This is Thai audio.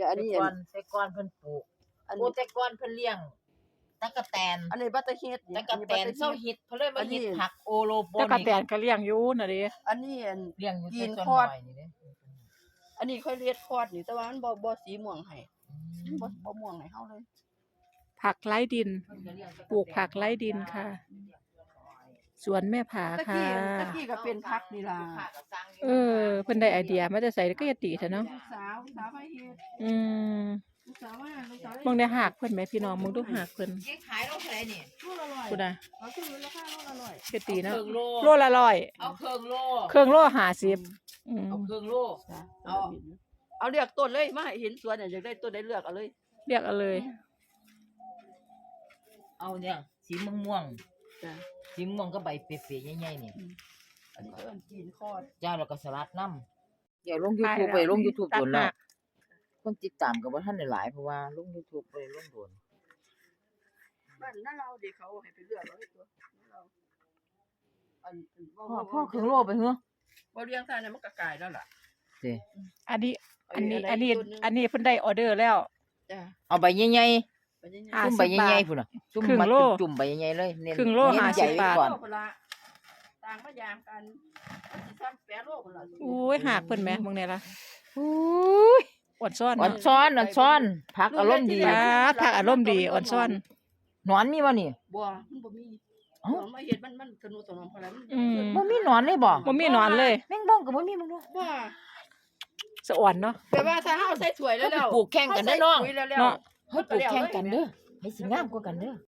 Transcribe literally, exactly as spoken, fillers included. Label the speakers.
Speaker 1: ดี๋ยวอัน
Speaker 2: แต่
Speaker 1: นี้
Speaker 2: ก่อนแต่ก่อนเพิ่นปลูก
Speaker 1: อัน
Speaker 2: โอ้
Speaker 1: นี้
Speaker 2: แต่ก่อนเพิ่นเลี้ยงตั๊กแตน
Speaker 1: อันนี้บัตเตอร์เฮด
Speaker 2: ตั๊กแตนเซาฮิตเพิ่นเลยมาฮิตผักโอโลโป
Speaker 3: แต่กระ
Speaker 2: นิก
Speaker 3: แตนก็เลี้ยงอยู่น่ะดิ
Speaker 1: อันนี้อัน
Speaker 2: เลี้ยงอยู่
Speaker 1: กิ
Speaker 2: แต่
Speaker 1: น
Speaker 2: ส่วน
Speaker 1: คอด
Speaker 2: น้อยนี่เด้
Speaker 1: อันนี้ค่อยเรียดคอดนี่แต่ว่ามันบ่บ่สีม่วงให้บ่บ่ม่วงให้เฮาเลย
Speaker 3: ผักไร้ดิน ปลูกผักไร้ดินค่ะ สวนแม่ผา
Speaker 1: ตะ
Speaker 3: ค่ะ
Speaker 1: กี้ตะกี้ก็เป็นพักนี่ล่ะ
Speaker 3: เออเพิ่นได้ไอเดียมาแต่ไสก็อย่าติเถอะเนาะ
Speaker 1: ลูกสาวลูกสาวไปเฮ็ด
Speaker 3: อืม
Speaker 1: ลูกสาวว่าลูกสาว
Speaker 3: มึงได้หักเพิ่นไหมพี่น้องมึงดูหักเพิ่น
Speaker 2: ยังขายโลเท่าไหร่นี่
Speaker 1: โลละร้อย
Speaker 3: กูน่ะ
Speaker 1: เอาคือราคาโลละร้อย
Speaker 3: เฮ็ดตีเนาะ
Speaker 2: ครึ่งโล
Speaker 3: โลละร้อย
Speaker 2: เอาครึ่งโล
Speaker 3: เครื่องโลห้าสิบอืม
Speaker 2: เอาครึ่งโล
Speaker 1: จ้ะ
Speaker 2: เอา
Speaker 1: เอาเลือกต้นเลยมาให้เห็นสวนเนี่ยอยากได้ต้นได้เลือกเอาเลย
Speaker 3: เรียกเอาเลย
Speaker 2: เอาเนี่ยสีม่วง
Speaker 1: จ้ะ
Speaker 2: ๆสีม่วงก็ใบเปรี้ยๆใหญ่ๆนี่
Speaker 1: อันนี้ก็เอิ้นกินคอด
Speaker 2: เจ้าแล้วก็สลัดน้ำเดี๋ยวลง YouTube ไปลง YouTube โดนแล้วคนติดตามก็บ่ทันได้หลายเพราะว่าลง YouTube ไปลงโดน
Speaker 1: บ้านนั่นเราเด็กเขาให้ไปเลือกเอาเลยตัวนั่นเราอันอัน
Speaker 2: พ่อพ่อครึ่งโลไปเหรอ
Speaker 1: บ่เลี้ยงท่านเนี่ยมันก็กลายแล้วล่ะ
Speaker 2: สิ
Speaker 3: อันนี้อันนี้
Speaker 1: เา
Speaker 3: อันนี้
Speaker 1: อีกต้หง
Speaker 3: อันนี้เพิ่นได้ออเดอร์แล้ว
Speaker 1: จ้ะ
Speaker 2: เอาใบใหญ่
Speaker 1: ไปยังไง
Speaker 3: อ่า
Speaker 2: ๆจุ่มใบใหญ่ๆพุ่นน่ะจุ่ม
Speaker 3: ครึ่ง
Speaker 2: มา
Speaker 3: โล
Speaker 2: จุ่มๆใบใหญ่ๆเลยเน้น
Speaker 3: ครึ่งโล
Speaker 2: เน้น
Speaker 3: ห้า
Speaker 2: ให
Speaker 3: สิ
Speaker 2: ญ่
Speaker 3: บ
Speaker 2: ไว้
Speaker 3: บาท
Speaker 2: ก่อน
Speaker 1: โลพุ่นละต่างมายามกันมันสิซ้ำแปดโลพุ่นล่ะ
Speaker 3: อุ้ยหักเพิ่นแหมมึงเนี่ยล่ะ
Speaker 2: อุ้ย
Speaker 3: อ่อนซ่อน
Speaker 2: อ่อน
Speaker 3: เนาะ
Speaker 2: ซ้อนอ่อนซ้อนผักอารมณ์ดี
Speaker 3: อ่าผักอารมณ์ดีอ่อนซ่อน
Speaker 2: หนอนมีบ่นี่
Speaker 1: บ่มันบ่มี
Speaker 2: เอ้า
Speaker 1: บ่มาเฮ็ดมันมันสนุกสนมพอแล้วมัน
Speaker 3: อืม
Speaker 2: บ่มีหนอนเลยบ่
Speaker 3: บ่มีหนอนเลย
Speaker 2: แมงบ้องก็บ่มีมึงดู
Speaker 1: ว่า
Speaker 3: สะอ่อนเนาะ
Speaker 1: แต่ว่าถ้าเฮาใส่ถ้วยแล้วแล้ว
Speaker 2: ปลูกแข่งกันเด้อน้อง
Speaker 1: เฮาใส่ปุ๋ยแล้วแล้ว
Speaker 3: เนาะ
Speaker 2: เฮ้ยปลูกแข่งกันเด้อให้สิงามกว่ากันเด้อ